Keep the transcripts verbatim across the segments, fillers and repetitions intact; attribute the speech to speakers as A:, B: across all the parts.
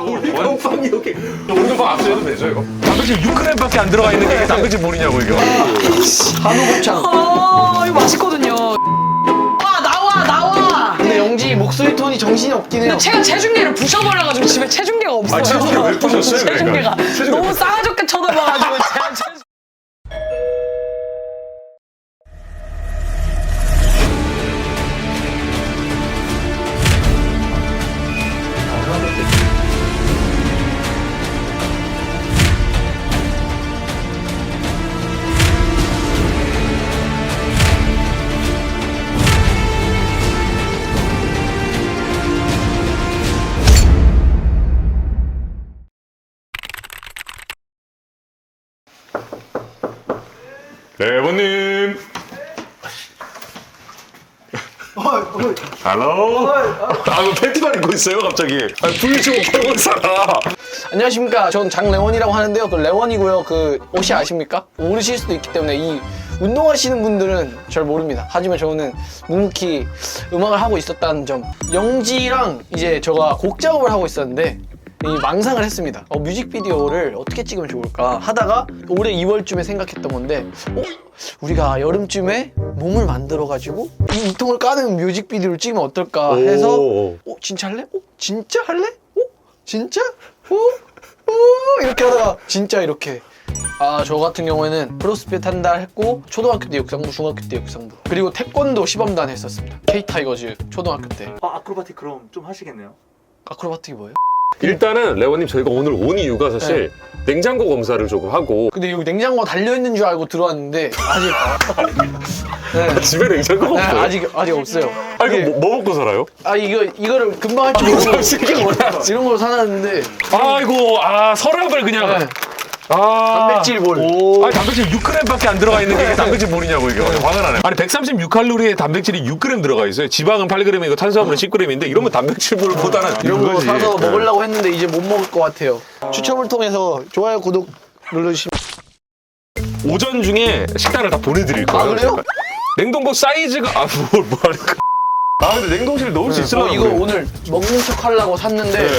A: 원빵이 여기 원빵 앞서도 되죠 이거? 단백질 육 그램밖에 안 들어가 있는 게 단백질 물이냐고 이거.
B: 한우 곱창.
C: 아 이거 맛있거든요. 와 나와 나와.
B: 근데 영지 목소리 톤이 정신이 없긴 해요.
C: 제가 체중계를 부셔버려가지고 집에 체중계가 없어요.
A: 아, 체중계 왜 부셨어요,
C: 체중계가
A: 그러니까? 체중계
C: 너무
A: 왜-
C: 싸가지없게 쳐다봐가지고 제가 체중...
A: 레원님. 할로. 아, 뭐 팬티만 입고 있어요 갑자기. 아, 불좀 펴고 살아.
B: 안녕하십니까. 전 장레원이라고 하는데요. 그 레원이고요. 그 옷이 아십니까? 모르실 수도 있기 때문에 이 운동하시는 분들은 잘 모릅니다. 하지만 저는 묵묵히 음악을 하고 있었다는 점. 영지랑 이제 제가 곡 작업을 하고 있었는데 이 망상을 했습니다. 어, 뮤직비디오를 어떻게 찍으면 좋을까 하다가 올해 이월쯤에 생각했던 건데 어? 우리가 여름쯤에 몸을 만들어가지고 이, 이 통을 까는 뮤직비디오를 찍으면 어떨까 해서
A: 오.
B: 어? 진짜 할래? 어? 진짜 할래? 어? 진짜? 어? 어? 이렇게 하다가 진짜 이렇게 아, 저 같은 경우에는 크로스핏 한 달 했고 초등학교 때 육상부, 중학교 때 육상부 그리고 태권도 시범단 했었습니다. K-타이거즈 초등학교 때.
D: 아, 아크로바틱 그럼 좀 하시겠네요?
B: 아크로바틱이 뭐예요?
A: 일단은 레원님 저희가 오늘 온 이유가 사실 냉장고 검사를 조금 하고.
B: 근데 여기 냉장고가 달려있는 줄 알고 들어왔는데 아직 네.
A: 집에 냉장고가
B: 네,
A: 없어요?
B: 아직 아직 없어요.
A: 아 이거
B: 이게-
A: 뭐, 뭐 먹고 살아요?
B: 아 이거 이거를 금방 할 줄 모르고
A: 솔직히 몰라요.
B: 이런 걸 사놨는데
A: 아이고 아 서랍을 그냥.
B: 네.
A: 아
B: 단백질 볼.
A: 아니 단백질 육 그램밖에 안 들어가 있는 게 단백질 물이냐고 이게. 화가 나네. 아니 백삼십육 칼로리에 단백질이 육 그램 들어가 있어요. 지방은 팔 그램이고 탄수화물은 십 그램인데 이러면 단백질 물보다는
B: 이런 거
A: 이거지.
B: 사서
A: 네.
B: 먹으려고 했는데 이제 못 먹을 것 같아요. 추첨을 통해서 좋아요 구독 눌러주시면.
A: 오전 중에 식단을 다 보내드릴 거예요.
B: 아, 그래요?
A: 제가. 냉동고 사이즈가 아뭘 뭐 하니까. 아 근데 냉동실에 넣을 수
B: 어,
A: 있으려나
B: 이거
A: 그래요?
B: 오늘 먹는 척 하려고 샀는데
A: 네.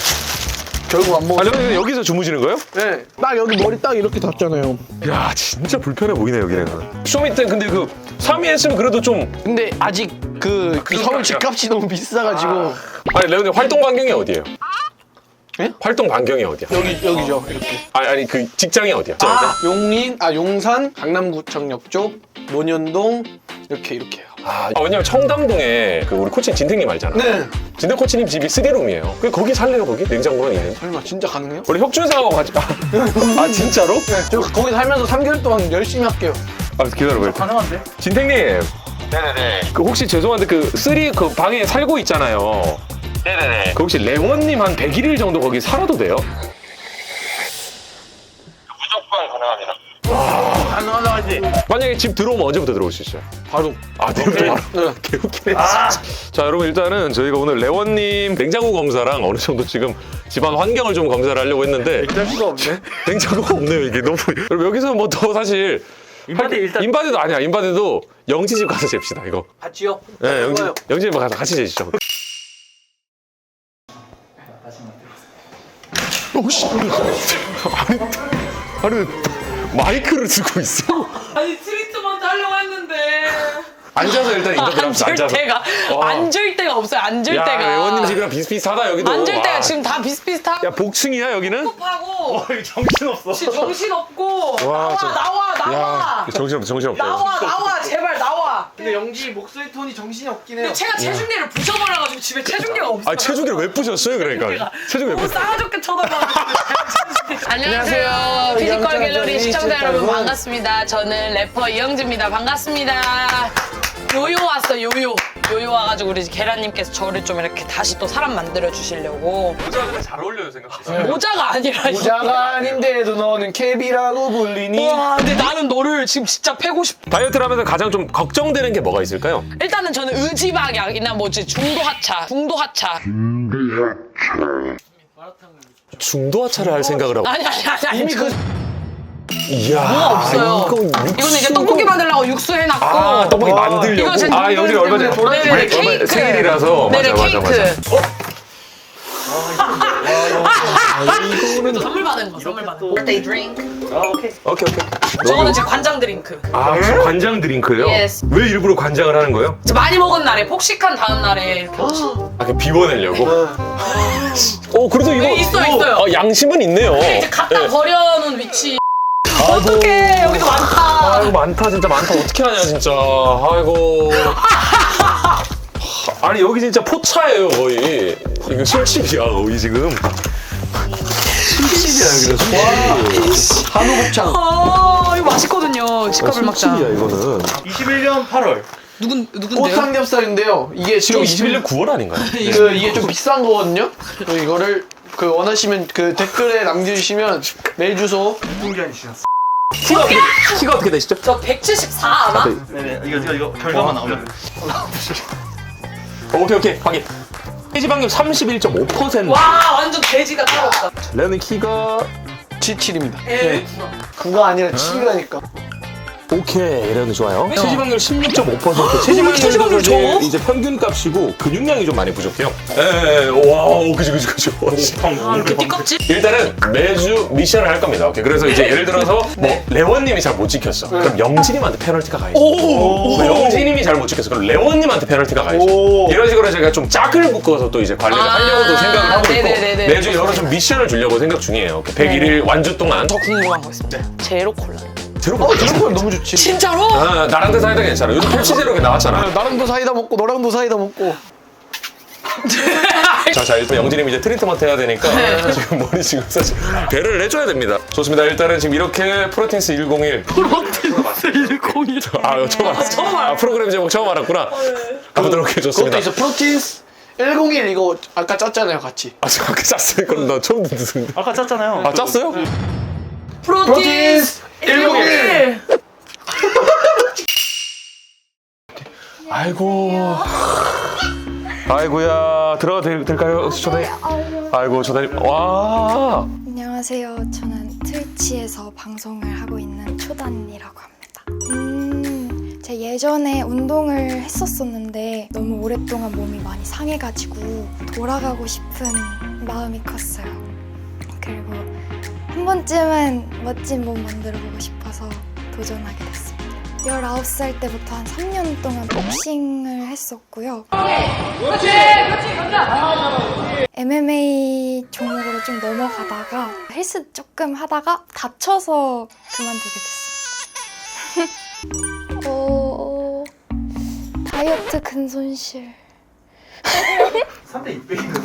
B: 결국 안
A: 아
B: 먹었어요.
A: 여기 여기서 주무시는 거예요?
B: 네. 딱 여기 머리 딱 이렇게 닿잖아요.
A: 야 진짜 불편해 보이네 여기는. 쇼미 때 근데 그 삼 위 했으면 그래도 좀.
B: 근데 아직 그, 그 서울 집값이 너무 비싸가지고
A: 아니 레오님 활동 반경이 어디예요?
B: 예?
A: 활동 반경이 어디야?
B: 여기 여기죠 이렇게.
A: 아니 아니 그 직장이 어디야?
B: 아, 용인 아 용산 강남구청역 쪽 논현동 이렇게 이렇게 해요.
A: 아, 왜냐면 청담동에 그 우리 코치 진택님 알잖아.
B: 네.
A: 진택 코치님 집이 쓰리룸이에요. 그 거기 살래요 거기? 냉장고만 있는.
B: 설마 진짜 가능해요?
A: 원래 혁준상하고 같이. 아 진짜로?
B: 저 거기 살면서 삼 개월 동안 열심히 할게요.
A: 아 기다려봐요.
B: 가능한데?
A: 진택님.
D: 네네네.
A: 그 혹시 죄송한데 그 쓰리 그 방에 살고 있잖아요.
D: 네네네.
A: 그 혹시 레원님 한 백일 일 정도 거기 살아도 돼요?
D: 무조건 가능합니다.
B: 가능하지.
A: 만약에 집 들어오면 언제부터 들어올 수 있어요?
B: 바로.
A: 아, 내일부터 바로?
B: 네.
A: 개웃기네. 자, 여러분 일단은 저희가 오늘 레원님 냉장고 검사랑 어느 정도 지금 집안 환경을 좀 검사를 하려고 했는데
B: 할 수가 없네.
A: 냉장고가 없네요 이게 너무. 여러분 여기서 뭐 더 사실
D: 인바디 일단
A: 인바디도 아니야. 인바디도 영지 집 가서 잽시다 이거.
B: 같이요?
A: 네, 영지
B: 좋아요.
A: 영지 집 가서 같이 재시죠. 혹시 아니 아니 마이크를 쓰고 있어?
C: 아니 트리트먼트 하려고 했는데
A: 앉아서 일단 인터뷰를 하면서
C: 앉을
A: 앉아서.
C: 데가
A: 어.
C: 앉을 데가 없어요. 앉을
A: 야,
C: 데가.
A: 레원님 집이랑 비슷비슷하다 여기도.
C: 앉을 데가
A: 와.
C: 지금 다 비슷비슷하고
A: 야 복층이야 여기는?
C: 하고
D: 정신없어.
C: 지금 정신 없고
A: 와,
C: 나와
A: 저-
C: 나와 나와
A: 야 정신없다 정신없다.
C: 나와 나와 제발 나와.
B: 근데 영지 목소리 톤이 정신이 없긴 해요.
C: 근데 제가 체중계를 부셔버려가지고 집에 체중계가 없어요.
A: 아 체중계를 왜 부셨어요 그러니까? 체중계 왜
C: 너무
A: 부셨?
C: 싸가지없게 쳐다봐가지고. 안녕하세요.
B: 안녕하세요.
C: 피지컬
B: 영자
C: 갤러리
B: 저널리스트
C: 시청자 여러분
B: 여러분.
C: 반갑습니다. 저는 래퍼 이영지입니다. 반갑습니다. 요요 왔어 요요. 요요 와가지고 우리 계란님께서 저를 좀 이렇게 다시 또 사람 만들어 주시려고.
A: 모자가 잘 어울려요 생각보다.
C: 모자가 아니라.
B: 모자가 아닌데도 너는 캡이라고 불리니.
C: 와 근데 나는 너를 지금 진짜 패고 싶어.
A: 다이어트를 하면서 가장 좀 걱정되는 게 뭐가 있을까요?
C: 일단은 저는 의지박약이나 뭐지 중도하차 중도하차
A: 중도 하차를 할 생각을 하고.
C: 아니 아니 아니 아니
B: 이미 그
A: 이야.
C: 없어요.
A: 이거
C: 이거는 이제 떡볶이 만들려고 육수 해놨고.
A: 아 떡볶이
B: 와.
A: 만들려고.
C: 이거 제
A: 아 영준이 얼마 전에
C: 네네,
A: 얼마
C: 케이크.
A: 생일이라서.
C: 네네
A: 맞아 맞아
C: 케이크.
A: 맞아.
C: 이거는 선물 받은 거, 선물 받은 거. birthday drink.
D: 아 오케이.
A: 오케이 오케이.
C: 저거는 제 관장 드링크.
A: 아 관장 드링크요?
C: Yes.
A: 왜 일부러 관장을 하는 거예요?
C: 저 많이 먹은 날에 폭식한 다음 날에 이렇게
A: 아 그냥 비워내려고? 어 그래도 이거
C: 네, 있어요,
A: 이거,
C: 있어요.
A: 어, 양심은 있네요.
C: 이제 갖다
A: 네.
C: 버려놓은 위치. 어떡해, 여기도 많다.
A: 아이고 많다 진짜 많다 어떻게 하냐 진짜 아이고 아니 여기 진짜 포차예요 거의 이거 술집이야 거의 지금 술집이야 그래서 술집
B: 한우 곱창.
C: 아, 이거 맛있거든요. 집값을 막자.
A: 술집이야 이거는
D: 이십일 년 팔월.
C: 누군, 누군데요?
B: 꽃삼겹살인데요. 이게 지금
A: 지금 이십일 년 구월 아닌가요?
B: 그 이게 좀 비싼 거거든요. 그래서 이거를 그 원하시면 그 댓글에 남겨주시면 메일 주소.
D: 공개한 주셨어.
A: 키가 어떻게, 키가 어떻게 되시죠?
C: 저 백칠십사 아마?
D: 네네. 이거 이거 이거 결과만 나오면.
A: 어, 오케이 오케이 확인 체지방률 삼십일 점 오 퍼센트
C: 와, 완전 돼지가 따로 없다.
A: 레는 키가
B: 칠십칠입니다.
C: 에?
B: 구가 아니라 칠이라니까.
A: 오케이 이래도 좋아요. 체지방률 십육 점 오 퍼센트. 체지방률
C: 체지방률
A: 제
C: 좋아?
A: 이제 평균 값이고 근육량이 좀 많이 부족해요. 에, 와우, 그지 그지 그지.
C: 그 띠껍질?
A: 일단은 매주 미션을 할 겁니다. 오케이. 그래서 이제 예를 들어서 뭐 레원님이 잘 못 지켰어. 그럼 영진님한테 페널티가 가야지. 뭐 영진님이 잘 못 지켰어. 그럼 레원님한테 페널티가 가야지.
B: 오.
A: 이런 식으로 제가 좀 짝을 묶어서 또 이제 관리를
C: 아,
A: 하려고도 생각을 하고 있고
C: 네네네네.
A: 매주 여러 좀 미션을 주려고 생각 중이에요. 오케이. 백일 일 완주 동안
C: 더 궁금한 거 있습니다. 제로 콜라.
A: 들어봐.
B: 어, 이런 건 너무 좋지.
C: 진짜로?
A: 아, 나랑도 사이다 괜찮아. 요즘 펩시 제로 나왔잖아.
B: 나랑도 사이다 먹고 너랑도 사이다 먹고.
A: 자, 자, 일단 영진님 이제 트리트먼트 해야 되니까 지금 머리 지금 사실 배를 내줘야 됩니다. 좋습니다. 일단은 지금 이렇게 프로틴스 백일
C: 프로틴스 백일.
A: 아, 처음 알았어.
C: 처음 알았어.
A: 아, 프로그램 제목 처음 알았구나. 가보도록
B: 그것도
A: 해줬습니다.
B: 있어. 프로틴스 백일 이거 아까 짰잖아요, 같이.
A: 아, 저 아까 짰어요. 그럼 나 처음 듣는데.
D: 아까 짰잖아요.
A: 아, 짰어요?
C: 프로틴스 백일.
A: 아이고. 아이고야. 들어가도 될- 될까요? 초대. 아이고, 초대님. 와.
E: 안녕하세요. 저는 트위치에서 방송을 하고 있는 초단이라고 합니다. 음, 제가 예전에 운동을 했었었는데 너무 오랫동안 몸이 많이 상해가지고 돌아가고 싶은 마음이 컸어요. 그리고 한 번쯤은 멋진 몸 만들어보고 싶어서 도전하게 됐습니다. 열아홉 살 때부터 한 삼 년 동안 복싱을 했었고요. 엠엠에이 종목으로 좀 넘어가다가 헬스 조금 하다가 다쳐서 그만두게 됐습니다. 어... 다이어트 근손실.
D: 삼 대 육백이거든.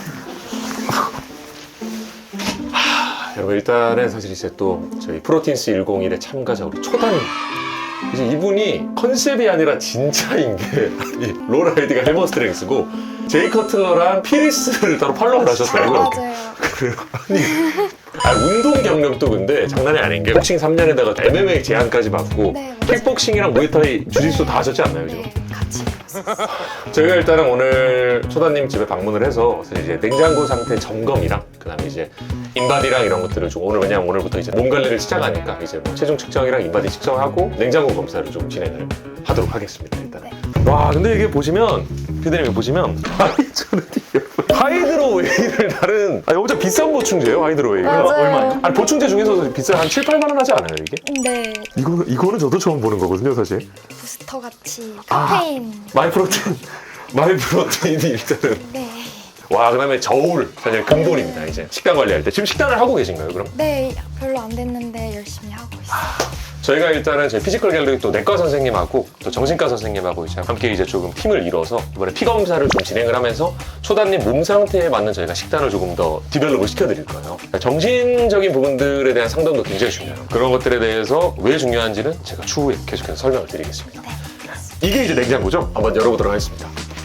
A: 여러분, 일단은 사실 이제 또 저희 프로틴스 백일의 참가자 우리 초단님. 이제 이분이 컨셉이 아니라 진짜인 게 아니, 롤 아이디가 헬머스트랭스고 제이 커틀러랑 피리스를 따로 팔로우를 하셨더라고요.
E: 맞아요.
A: 그래요? 아니, 아, 운동 경력도 근데 장난이 아닌 게 복싱 삼 년에다가 엠엠에이 제한까지 받고
E: 네, 맞아요.
A: 킥복싱이랑 무에타이, 주짓수 다 하셨지 않나요? 지금?
E: 네, 같이 해봤어요.
A: 저희가 일단은 오늘 초단님 집에 방문을 해서 사실 이제 냉장고 상태 점검이랑 그다음에 이제 인바디랑 이런 것들을 좀 오늘 왜냐면 오늘부터 이제 몸 관리를 시작하니까 이제 뭐 체중 측정이랑 인바디 측정하고 냉장고 검사를 좀 진행을 하도록 하겠습니다. 일단.
E: 네.
A: 와 근데 이게 보시면 피디님 보시면 아니 저는 이게 하이드로웨이를 다른 아니 엄청 비싼 보충제예요 하이드로웨이가.
E: 맞아요.
D: 얼마예요?
A: 아니 보충제 중에서도 비싼 한 칠, 팔만 원 하지 않아요 이게?
E: 네,
A: 이거는 이거는 저도 처음 보는 거거든요 사실.
E: 부스터 같이 카페인.
A: 마이 프로테인 마이 프로테인이 일단은
E: 네,
A: 와 그다음에 저울 사실 근본입니다 이제 식단 관리할 때 지금 식단을 하고 계신가요 그럼?
E: 네 별로 안 됐는데 열심히 하고 있어요.
A: 저희가 일단은 저희 피지컬 갤러리 또 내과 선생님하고 또 정신과 선생님하고 이제 함께 이제 조금 팀을 이뤄서 이번에 피 검사를 좀 진행을 하면서 초단님 몸 상태에 맞는 저희가 식단을 조금 더 디벨롭을 시켜드릴 거예요. 그러니까 정신적인 부분들에 대한 상담도 굉장히 중요해요. 그런 것들에 대해서 왜 중요한지는 제가 추후에 계속해서 설명을 드리겠습니다. 이게 이제 냉장고죠? 한번 열어보도록 하겠습니다.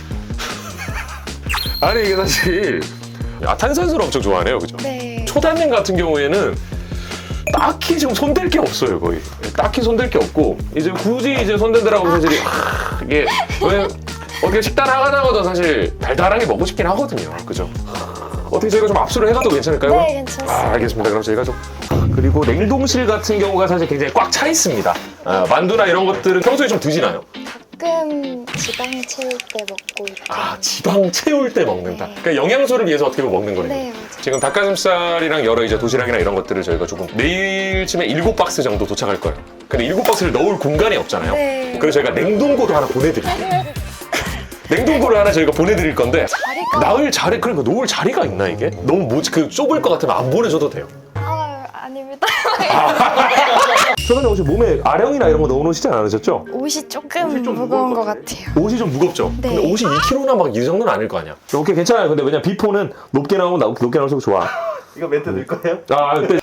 A: 아니 이게 사실 아, 탄산수를 엄청 좋아하네요, 그죠?
E: 네,
A: 초단님 같은 경우에는 딱히 지금 손댈 게 없어요, 거의. 딱히 손댈 게 없고 이제 굳이 이제 손댄다라고 사실 아, 이게 왜 어떻게 식단 하다가도 사실 달달하게 먹고 싶긴 하거든요, 그죠? 어떻게 저희가 좀 압수를 해가도 괜찮을까요?
E: 네, 괜찮습니다.
A: 아, 알겠습니다. 그럼 저희가 좀 그리고 냉동실 같은 경우가 사실 굉장히 꽉 차 있습니다. 아, 만두나 이런 것들은 평소에 좀 드시나요?
E: 가끔 지방 채울 때 먹고 이렇게.
A: 아, 지방 채울 때 먹는다.
E: 네.
A: 그러니까 영양소를 위해서 어떻게 보면 먹는 거네요.
E: 네, 맞아요.
A: 지금 닭가슴살이랑 여러 이제 도시락이나 이런 것들을 저희가 조금 내일쯤에 일곱 박스 정도 도착할 거예요. 근데 일곱 박스를 넣을 공간이 없잖아요.
E: 네.
A: 그래서 저희가 냉동고를 하나 보내드릴게요. 냉동고를 하나 저희가 보내드릴 건데
E: 자리가-
A: 나을 자리 그러니까 놓을 자리가 있나 이게? 너무 뭐지 그 좁을 것 같으면 안 보내줘도 돼요.
E: 아, 아닙니다.
A: 초단님 혹시 몸에 아령이나 이런 거 넣어놓으시지 않으셨죠?
E: 옷이 조금 무거운 것 같아요.
A: 옷이 좀 무겁죠?
E: 네.
A: 근데 옷이 이 킬로그램나 막 이 정도는 아닐 거 아니야. 오케이 괜찮아요. 근데 왜냐 비포는 높게 나오면 나- 높게 나올수록 좋아.
D: 이거 멘트 넣을 거예요?
A: 아 그때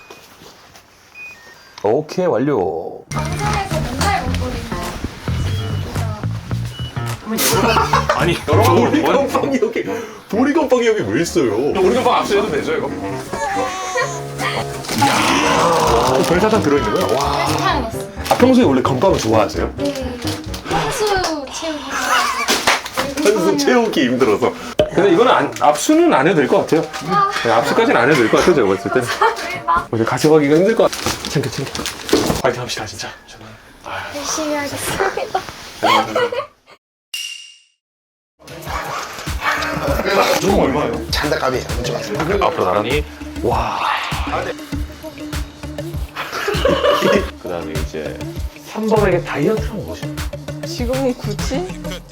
A: 오케이 완료.
E: 방송에서 맨날 먹거든요.
A: 아니 보리건빵이 여기 보리건빵이 여기 왜 있어요? 보리건빵 압수해도 되죠 이거? 이야 별사탕 들어있는 거야? 와.
E: 사탕 넣었어요.
A: 아, 평소에 원래 건빵을 좋아하세요?
E: 네. 한수 채우기
A: 한숨 채우기 힘들어서. 근데 이거는 안, 압수는 안 해도 될 것 같아요. 네, 압수까지는 안 해도 될 것 같아요 제가 봤을 때는. 어제 가져가기가 힘들 것 같아. 챙겨 챙겨. 파이팅 합시다 진짜.
E: 열심히 하겠습니다.
A: 좀 얼마예요?
B: 잔닭갑이에요. 묻지 마세요.
A: 앞으로 나란히 와. 그 다음에 이제 삼 번에게 다이어트는 무엇입니까?
C: 지금 굳이?